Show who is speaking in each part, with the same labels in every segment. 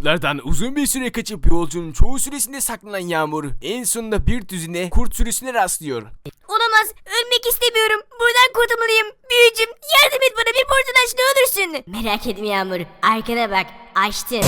Speaker 1: Kurtlardan uzun bir süre kaçıp yolcunun çoğu süresinde saklanan Yağmur en sonunda bir düzine kurt sürüsüne rastlıyor.
Speaker 2: Olamaz. Ölmek istemiyorum. Buradan kurtulmalıyım. Büyücüm yardım et bana, bir portal aç ne olursun. Merak etme Yağmur. Arkana bak. Açtın.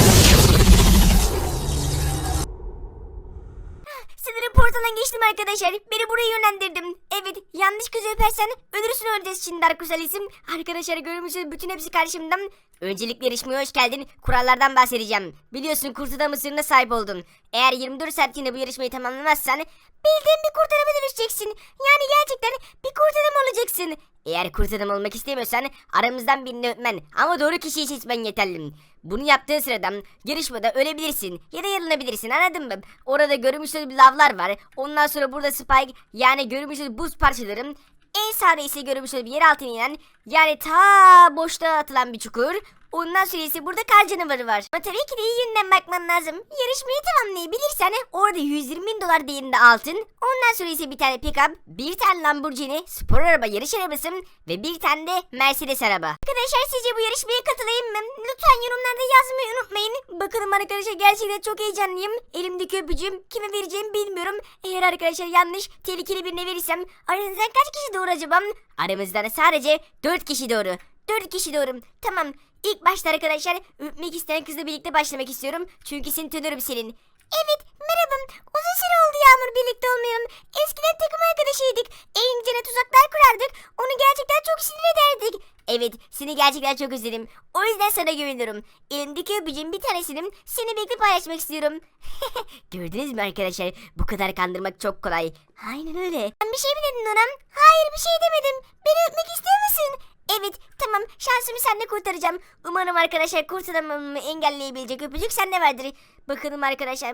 Speaker 2: Sanırım portaldan geçtim arkadaşlar. Beni buraya yönlendirdim. Evet, yanlış kızı öpersen ölürsün öleceğiz şimdi Darkusalis'im. Arkadaşlar görmüşsünüz, bütün hepsi karşımdan. Öncelikle yarışmaya hoş geldin. Kurallardan bahsedeceğim. Biliyorsun kurt adam ısırığına sahip oldun. Eğer 24 saat içinde bu yarışmayı tamamlamazsan bildiğin bir kurt adama dönüşeceksin. Yani gerçekten bir kurt adam olacaksın. Eğer kurt adam olmak istemiyorsan aramızdan birini öpmen ama doğru kişiyi seçmen yeterli. Bunu yaptığın sırada yarışmada ölebilirsin ya da yarılanabilirsin, anladın mı? Orada görmüşsünüz lavlar var. Ondan sonra burada spike, yani görmüşsünüz buz parçaları. En sağda ise görmüşsünüz bir yer altına inen, yani ta boşluğa atılan bir çukur. Ondan sonra ise burada kar canavarı var. Ama tabii ki de iyi yönden bakman lazım. Yarışmayı tamamlayabilirsen orada 120.000 dolar değerinde altın. Ondan sonra ise bir tane pick-up, bir tane Lamborghini, spor araba, yarış arabası ve bir tane de Mercedes araba. Arkadaşlar sizce bu yarışmaya katılayım mı? Lütfen yorumlarda yazmayı unutmayın. Bakalım arkadaşlar, gerçekten çok heyecanlıyım. Elimdeki öpücüğüm kime vereceğimi bilmiyorum. Eğer arkadaşlar yanlış, tehlikeli birine verirsem aranızdan kaç kişi doğru acaba? Aramızdan sadece 4 kişi doğru. 4 kişi doğru. Tamam. İlk başta arkadaşlar öpmek isteyen kızla birlikte başlamak istiyorum. Çünkü seni tanıyorum senin. Evet, merhaba. Uzun süre oldu Yağmur, birlikte olmayalım. Eskiden takım arkadaşıydık. Eğlencene tuzaklar kurardık. Onu gerçekten çok sinir ederdik. Evet, seni gerçekten çok özledim. O yüzden sana güveniyorum. Elimdeki öpücüğün bir tanesini seni birlikte paylaşmak istiyorum. Gördünüz mü arkadaşlar? Bu kadar kandırmak çok kolay. Aynen öyle. Sen bir şey mi dedin ona? Hayır, bir şey demedim. Beni öpmek istiyor musun? Evet, tamam, şansımı seninle kurtaracağım. Umarım arkadaşlar kurt adamımı engelleyebilecek öpücük sende vardır. Bakalım arkadaşlar.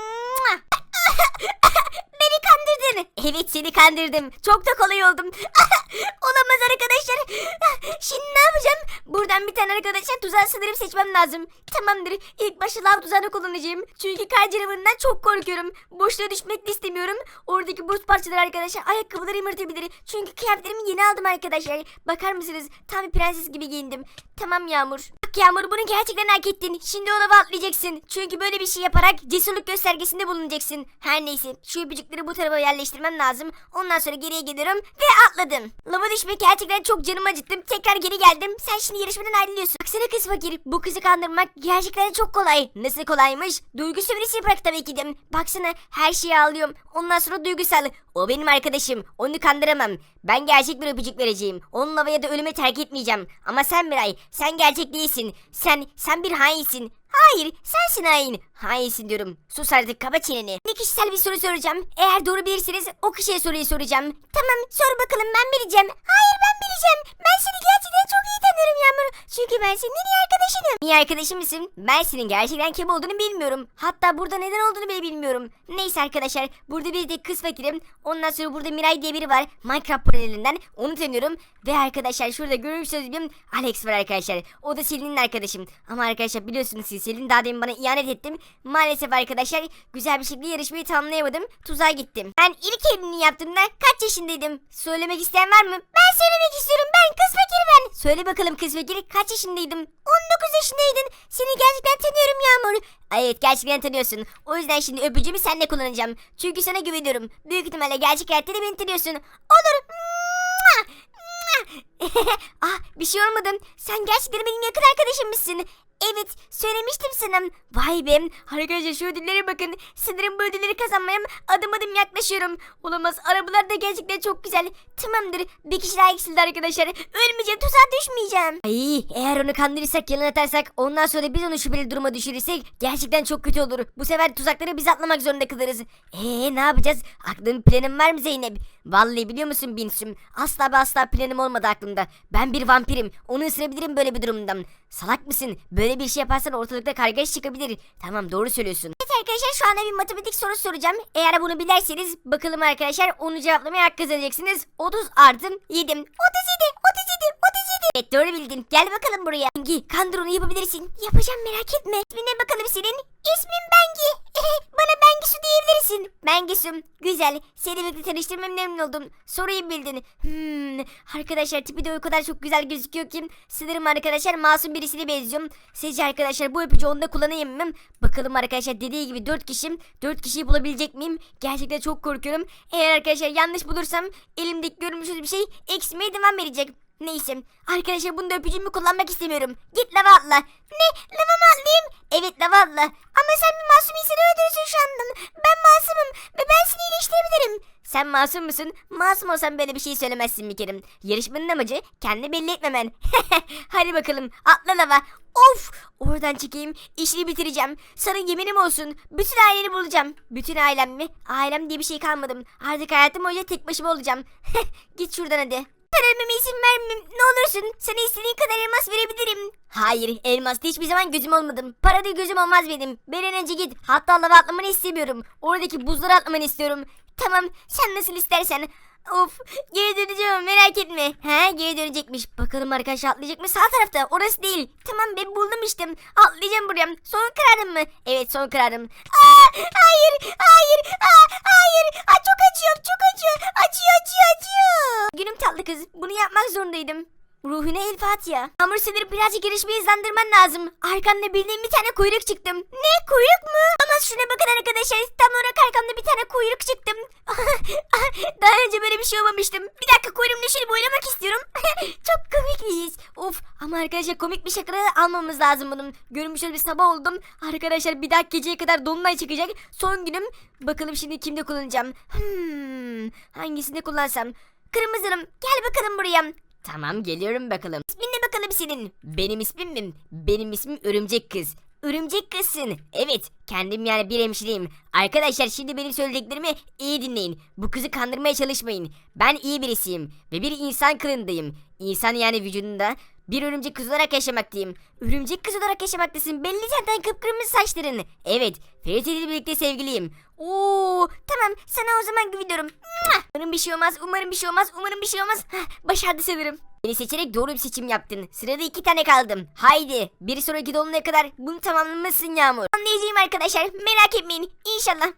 Speaker 2: Beni kandırdın. Evet, seni kandırdım. Çok da kolay oldum. Olamaz arkadaşlar. Şimdi ne yapacağım? Buradan bir tane arkadaşlar tuzağı sanırım seçmem lazım. Tamamdır. İlk başta lav tuzağını kullanacağım. Çünkü kar canavarından çok korkuyorum. Boşluğa düşmek de istemiyorum. Oradaki buz parçaları arkadaşlar ayakkabıları yırtabilir. Çünkü kıyafetlerimi yeni aldım arkadaşlar. Bakar mısınız? Tam bir prenses gibi giyindim. Tamam Yağmur. Bak Yağmur, bunu gerçekten hak ettin. Şimdi o lava atlayacaksın. Çünkü böyle bir şey yaparak cesurluk göstergesinde bulunacaksın. Her neyse, şu öpücükleri bu tarafa yerleştirmem lazım. Ondan sonra geriye geliyorum ve atladım. Lava düşmek gerçekten çok canımı acıttım. Tekrar geri geldim. Sen şimdi yarışmadan ayrılıyorsun. Baksana kız fakir. Bu kızı kandırmak gerçekten çok kolay. Nasıl kolaymış? Duygu sömürüsü yaparak tabii ki de. Baksana, her şeyi ağlıyorum. Ondan sonra duygusal. O benim arkadaşım. Onu kandıramam. Ben gerçek bir öpücük vereceğim. Onu lavaya da ölüme terk etmeyeceğim. Ama sen Miray, sen gerçek değilsin. Sen bir hainsin. Hayır, sensin hain. Hainsin diyorum. Sus artık, kapa çeneni. Ne kişisel bir soru soracağım. Eğer doğru bilirseniz o kişiye soruyu soracağım. Tamam, sor bakalım, ben bileceğim. Hayır, ben bileceğim. Ben seni gerçekten çok iyi tanıyorum Yağmur. Çünkü ben senin en iyi arkadaşınım. İyi arkadaşım mısın? Ben senin gerçekten kim olduğunu bilmiyorum. Hatta burada neden olduğunu bile bilmiyorum. Neyse arkadaşlar, burada bir de kız fakirim. Ondan sonra burada Miray diye biri var. Minecraft panelinden. Onu tanıyorum. Ve arkadaşlar şurada görmüşsünüz bir Alex var arkadaşlar. O da Selin'in arkadaşım. Ama arkadaşlar biliyorsunuz siz, Selin daha demin bana ihanet ettim. Maalesef arkadaşlar güzel bir şekilde yarışmayı tamamlayamadım. Tuzağa gittim. Ben ilk evliliğini yaptığımda kaç yaşındaydım? Söylemek isteyen var mı? Ben söylemek istiyorum. Ben kız fakir ben. Söyle bakalım kız fakir, kaç yaşındaydım? 19 yaşındaydın. Seni gerçekten tanıyorum Yağmur. Evet, gerçekten tanıyorsun. O yüzden şimdi öpücüğümü seninle kullanacağım. Çünkü sana güveniyorum. Büyük ihtimalle gerçek hayatta da beni tanıyorsun. Olur. Ah, bir şey olmadı. Sen gerçekten benim yakın arkadaşımmışsın. Evet, söylemiştim sana. Vay be. Arkadaşlar şu ödüllere bakın. Sanırım bu ödülleri kazanmaya adım adım yaklaşıyorum. Olamaz, arabalar da gerçekten çok güzel. Tamamdır, bir kişi daha eksildi arkadaşlar. Ölmeyeceğim, tuzağa düşmeyeceğim. Ay, eğer onu kandırırsak, yalan atarsak, ondan sonra biz onu şüpheli duruma düşürürsek gerçekten çok kötü olur. Bu sefer tuzakları biz atlamak zorunda kalırız. Ne yapacağız? Aklın planın var mı Zeynep? Vallahi biliyor musun Binsüm? Asla ve asla planım olmadı aklımda. Ben bir vampirim. Onu ısırabilirim böyle bir durumdan. Salak mısın? Böyle bir şey yaparsan ortalıkta kargaşa çıkabilir. Tamam, doğru söylüyorsun. Evet arkadaşlar, şu anda bir matematik sorusu soracağım. Eğer bunu bilerseniz bakalım arkadaşlar, onu cevaplamaya hak kazanacaksınız. 30 artı 7. 37. Evet, doğru bildin. Gel bakalım buraya. Bengi, kandır onu, yapabilirsin. Yapacağım, merak etme. İsmine bakalım senin. İsmim Bengi. Bana Bengi su diyebilirsin. misin? Ben Gülsüm. Güzel. Seni birlikte tanıştırmam memnun oldum. Soruyu bildin. Arkadaşlar tipi de o kadar çok güzel gözüküyor ki. Sanırım arkadaşlar masum birisine benziyorum. Sizce arkadaşlar bu öpücü onda kullanayım mı? Bakalım arkadaşlar dediği gibi 4 kişiyim. 4 kişiyi bulabilecek miyim? Gerçekten çok korkuyorum. Eğer arkadaşlar yanlış bulursam elimdeki görmüşüz bir şey eksilmeye devam edecek. Neyse arkadaşlar bunu da öpücüğümü kullanmak istemiyorum. Git lava atla. Ne? Lava mı atlayayım? Evet lava atla. Ama sen bir masum insanı öldürürsün şu anda. Ben masumum ve ben seni iyileştirebilirim. Sen masum musun? Masum olsan böyle bir şey söylemezsin bir kere. Yarışmanın amacı kendi belli etmemen. Hadi bakalım atla lava. Of! Oradan çıkayım. İşini bitireceğim. Sana yeminim olsun. Bütün aileni bulacağım. Bütün ailem mi? Ailem diye bir şey kalmadım. Artık hayatım boyunca tek başıma olacağım. Git şuradan hadi. Ben ölmeme izin vermem. Ne olursun. Sana istediğin kadar elmas verebilirim. Hayır, elmasta hiçbir zaman gözüm olmadım. Parada gözüm olmaz benim. Bir an önce git. Hatta lava atlamanı istemiyorum. Oradaki buzları atlamanı istiyorum. Tamam, sen nasıl istersen. Of, geri döneceğim ama merak etme. He, geri dönecekmiş. Bakalım arkadaşlar atlayacak mı? Sağ tarafta. Orası değil. Tamam, ben buldum işte. Atlayacağım buraya. Son kararım mı? Evet, son kararım. Hayır, hayır, hayır. Çok acıyor, çok acıyor. Acıyor. Günüm tatlı kız. Bunu yapmak zorundaydım. Ruhuna el Fatiha. Hamur sınırı birazcık yarışmayı hızlandırman lazım. Arkanda bildiğim bir tane kuyruk çıktım. Ne? Kuyruk mu? Ama şuna bakın arkadaşlar. Tam olarak arkamda bir tane kuyruk çıktım. Daha önce böyle bir şey olmamıştım. Bir dakika kuyruğumla şöyle boylamak istiyorum. Çok komik bir his. Of ama arkadaşlar komik bir şaka almamız lazım bunun. Görmüş bir sabah oldum. Arkadaşlar bir dahaki geceye kadar dolunay çıkacak. Son günüm. Bakalım şimdi kimde kullanacağım. Hangisini kullansam? Kırmızılım. Gel bakalım buraya. Tamam geliyorum bakalım. İsmin ne bakalım senin? Benim ismim mi? Benim ismim Örümcek Kız. Örümcek Kızsın. Evet kendim yani bir hemşireyim. Arkadaşlar şimdi benim söylediklerimi iyi dinleyin. Bu kızı kandırmaya çalışmayın. Ben iyi birisiyim ve bir insan kılığındayım. İnsan yani vücudunda bir örümcek kız olarak yaşamaktayım. Örümcek kız olarak yaşamaktasın. Belli zaten kıpkırmızı saçların. Evet Ferit ile birlikte sevgiliyim. Oo tamam sana o zaman güveniyorum. Umarım bir şey olmaz. Umarım bir şey olmaz. Başardı sanırım. Beni seçerek doğru bir seçim yaptın. Sırada 2 tane kaldım. Haydi bir sonraki dolunaya kadar bunu tamamlamışsın Yağmur. Anlayacağım arkadaşlar. Merak etmeyin. İnşallah.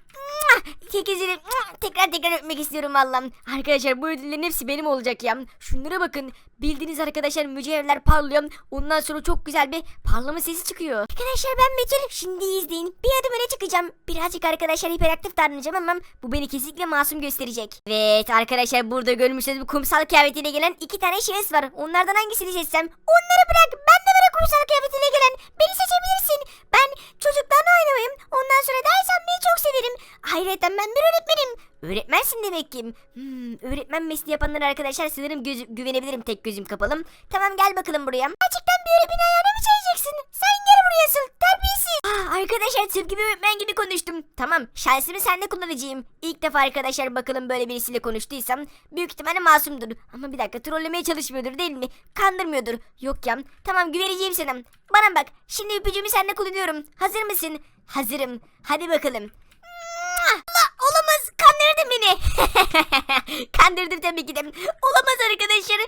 Speaker 2: Tekrar öpmek istiyorum Allah'ım. Arkadaşlar bu ödüllerin hepsi benim olacak ya. Şunlara bakın. Bildiğiniz arkadaşlar mücevherler parlıyor. Ondan sonra çok güzel bir parlama sesi çıkıyor. Arkadaşlar ben Betül. Şimdi izleyin. Bir adım öne çıkacağım. Birazcık arkadaşlar hiperaktif davranacağım ama bu beni kesinlikle masum gösterecek. Evet arkadaşlar burada görmüşsünüz bu kumsal kıyafetiyle gelen 2 tane şahıs var. Onlardan hangisini seçsem? Onları bırak. Ben de var kumsal kıyafetiyle gelen. Beni seçebilirsin. Ben çocuklarla oynamayım. Ondan sonra ders yapmayı çok severim. Ayrıca ben bir öğretmenim. Öğretmensin demek ki. Öğretmen mesleği yapanlara arkadaşlar sanırım güvenebilirim tek gözüm kapalı. Tamam gel bakalım buraya. Gerçekten bir öğretmen ayağına mı çağıracaksın? Sen gel buraya asıl terbiyesiz. Arkadaşlar tıpkı bir öğretmen gibi konuştum. Tamam şansımı sende kullanacağım. İlk defa arkadaşlar bakalım böyle birisiyle konuştuysam büyük ihtimalle masumdur. Ama bir dakika trollemeye çalışmıyordur değil mi? Kandırmıyordur. Yok ya. Tamam güveneceğim sana. Bana bak şimdi öpücüğümü sende kullanıyorum. Hazır mısın? Hazırım. Hadi bakalım. Olamaz kandırdın beni. Kandırdım tabii ki de. Olamaz arkadaşlar.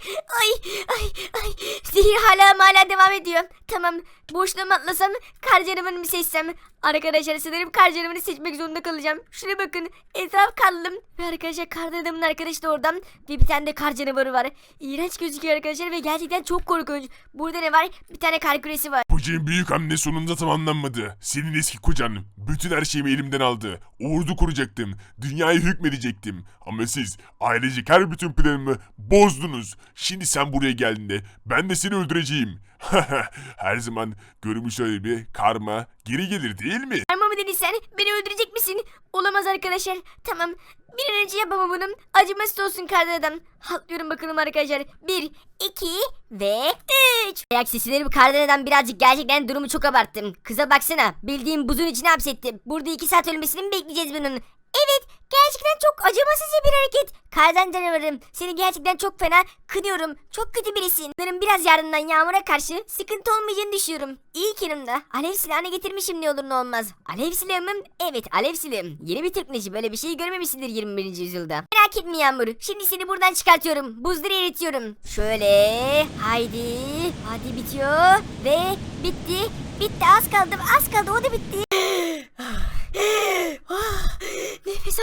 Speaker 2: Ay. Sihir hala devam ediyor. Tamam boşluğa mı atlasam kar canavarını mı seçsem? Arkadaşlar sanırım kar canavarını seçmek zorunda kalacağım. Şuna bakın etraf karlı. Ve arkadaşlar kar adamın arkadaşı da oradan. Ve bir tane de kar canavarı var. İğrenç gözüküyor arkadaşlar ve gerçekten çok korkunç. Burada ne var? Bir tane kar küresi var.
Speaker 3: Projenin büyük hamle sonunda tamamlanmadı. Senin eski kocan bütün her şeyimi elimden aldı. Ordu kuracaktım. Dünyaya hükmedecektim. Ama siz ailecek her bütün planımı bozdunuz. Şimdi sen buraya geldiğinde ben de seni öldüreceğim. Her zaman görmüş öyle bir karma geri gelir değil mi?
Speaker 2: Karma mı dedin sen? Beni öldürecek misin? Olamaz arkadaşlar. Tamam. Bir an önce yapamam bunu. Acımasız olsun kardan adam. Atlıyorum bakalım arkadaşlar. 1, 2 ve 3. Ayak sesleri bu kardan adam birazcık gerçekten durumu çok abarttım. Kıza baksana. Bildiğim buzun içine hapsettim. Burada 2 saat ölmesini mi bekleyeceğiz bunun? Evet. Gerçekten çok acımasızca bir hareket. Kardan canavarım seni gerçekten çok fena kınıyorum. Çok kötü birisin. Benim biraz yardımdan Yağmur'a karşı sıkıntı olmayacağını düşünüyorum. İyi ki yanımda alev silahını getirmişim ne olur ne olmaz. Alev silahı mı? Evet alev silahım. Yeni bir teknoloji böyle bir şey görmemişsindir 21. yüzyılda. Merak etme Yağmur. Şimdi seni buradan çıkartıyorum. Buzları eritiyorum. Şöyle haydi. Hadi bitiyor. Ve bitti. Bitti az kaldı o da bitti.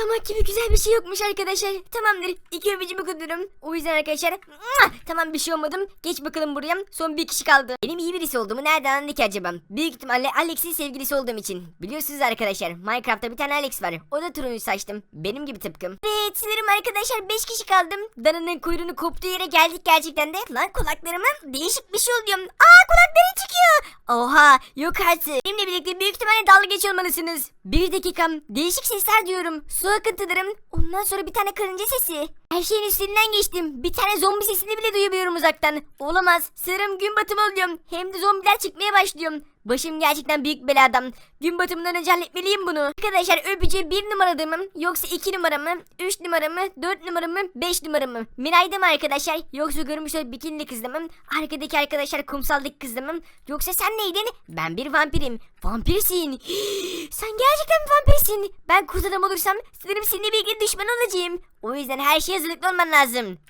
Speaker 2: Ağlamak gibi güzel bir şey yokmuş arkadaşlar. Tamamdır. 2 öpücüğümü kutluyorum. O yüzden arkadaşlar tamam bir şey olmadım. Geç bakalım buraya. Son bir kişi kaldı. Benim iyi birisi olduğumu nereden anladı ki acaba? Büyük ihtimalle Alex'in sevgilisi olduğum için. Biliyorsunuz arkadaşlar Minecraft'ta bir tane Alex var. O da turuncu saçtım. Benim gibi tıpkım. Evet sanırım arkadaşlar 5 kişi kaldım. Dana'nın kuyruğunu koptuğu yere geldik gerçekten de. Lan kulaklarıma değişik bir şey oluyor. Kulakları çıkıyor. Oha yok artık. Benimle birlikte büyük ihtimalle dalga geçiyor olmalısınız. Bir dakikam değişik sesler diyorum. Su akıntılarım. Ondan sonra bir tane karınca sesi. Her şeyin üstünden geçtim. Bir tane zombi sesini bile duyabiliyorum uzaktan. Olamaz. Sanırım gün batımı oluyorum. Hem de zombiler çıkmaya başlıyorum. Başım gerçekten büyük beladan. Gün batımından önce halletmeliyim bunu. Arkadaşlar öpücüğü 1 numaralı mı? Yoksa 2 numara mı? 3 numara mı? 4 numara mı? 5 numara mı? Miray'da mı arkadaşlar? Yoksa görmüş o bikinli kızda mı? Arkadaki arkadaşlar kumsaldaki kızda mı? Yoksa sen neydin? Ben bir vampirim. Vampirsin. Sen gerçekten bir vampirsin. Ben kurt adam olursam sanırım seninle birlikte düşman olacağım. O yüzden her şeye hazırlıklı olman lazım.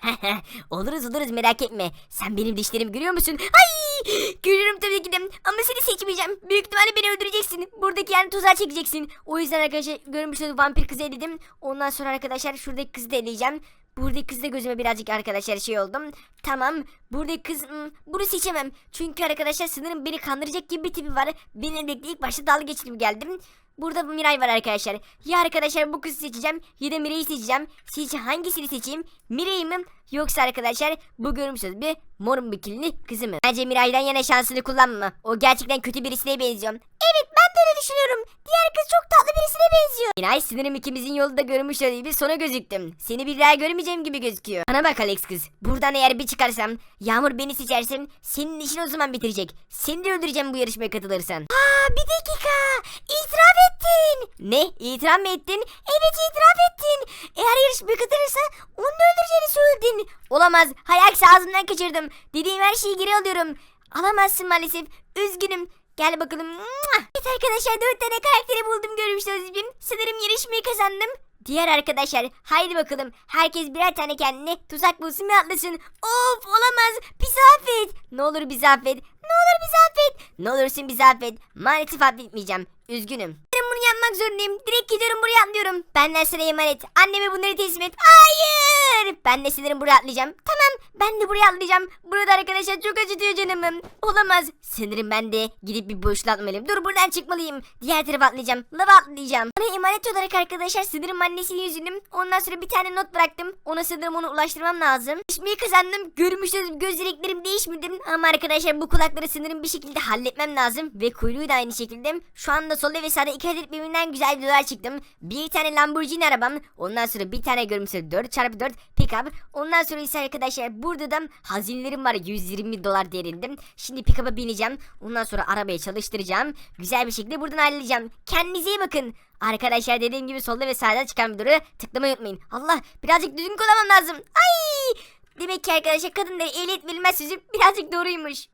Speaker 2: oluruz merak etme. Sen benim dişlerimi görüyor musun? Ay! Görüyorum tabii ki de. Ama seni seçmeyeceğim. Büyük ihtimalle beni öldüreceksin. Buradaki yani tuzağa çekeceksin. O yüzden arkadaşlar görmüş olduğunuz vampir kızı eledim. Ondan sonra arkadaşlar şuradaki kızı da eleyeceğim. Buradaki kız da gözüme birazcık arkadaşlar şey oldum. Tamam. Buradaki kız bunu seçemem. Çünkü arkadaşlar sanırım beni kandıracak gibi bir tipi var. Benimle birlikte ilk başta dalga geçtim geldim. Burada Miray var arkadaşlar. Ya arkadaşlar bu kızı seçeceğim ya da Miray'ı seçeceğim. Sizce hangisini seçeyim? Miray'ı mı? Yoksa arkadaşlar bu görmüşsünüz bir mor bikini kızı mı? Bence Miray'dan yana şansını kullanma. O gerçekten kötü birisine benziyor. Evet ben de öyle düşünüyorum. Diğer kız çok tatlı birisine benziyor. Miray sanırım ikimizin yolu da görmüş olduğu gibi sona gözüktüm. Seni bir daha görmeyeceğim gibi gözüküyor. Bana bak Alex kız. Buradan eğer bir çıkarsam Yağmur beni seçersen senin işini o zaman bitirecek. Seni de öldüreceğim bu yarışmaya katılırsan. Bir dakika. İtiraf ettin. Ne? İtiraf mı ettin? Evet itiraf ettin. Eğer yarışmaya katılırsa onu da öldüreceğini söyledin. Olamaz. Hay aksi ağzımdan kaçırdım. Dediğim her şeyi geri alıyorum. Alamazsın maalesef. Üzgünüm. Gel bakalım. Evet arkadaşlar 4 tane karakteri buldum görmüşsünüz gibi. Sanırım yarışmayı kazandım. Diğer arkadaşlar haydi bakalım. Herkes birer tane kendine tuzak bulsun ve atlasın. Of olamaz. Bizi affet. Ne olur bizi affet. Ne olur bizi affet. Ne olursun bizi affet. Maalesef affetmeyeceğim. Üzgünüm. Ben bunu yapmak zorundayım. Direkt gidiyorum buraya atlıyorum. Benden sana emanet. Anneme bunları teslim et. Hayır. Ben de sanırım buraya atlayacağım. Tamam. Ben de buraya atlayacağım. Burada arkadaşlar çok acıtıyor canımım. Olamaz. Sanırım ben de gidip bir boşluğa atmalıyım. Dur buradan çıkmalıyım. Diğer tarafa atlayacağım. Lava atlayacağım. Bana emanet olarak arkadaşlar sanırım annesinin yüzünü. Ondan sonra bir tane not bıraktım. Ona sanırım onu ulaştırmam lazım. İşimi kazandım. Görmüşsünüz gözlerim değişmedi. Ama arkadaşlar bu kulakları sanırım bir şekilde halletmem lazım. Ve kuyruğu da aynı şekilde. Şu anda solda ve sağda 2 adet birbirinden güzel videolar çıktım. Bir tane Lamborghini arabam. Ondan sonra bir tane görmüşsünüz 4x4 pick-up. Ondan sonra ise arkadaşlar burada da hazinelerim var 120 dolar değerinde. Şimdi pick-up'a bineceğim. Ondan sonra arabayı çalıştıracağım. Güzel bir şekilde buradan ayrılacağım. Kendinize iyi bakın. Arkadaşlar dediğim gibi solda ve sağda çıkan videoları tıklamayı unutmayın. Allah birazcık düzgün kullanmam lazım. Ay! Demek ki arkadaşlar kadınları ehliyet verilmez sözü birazcık doğruymuş.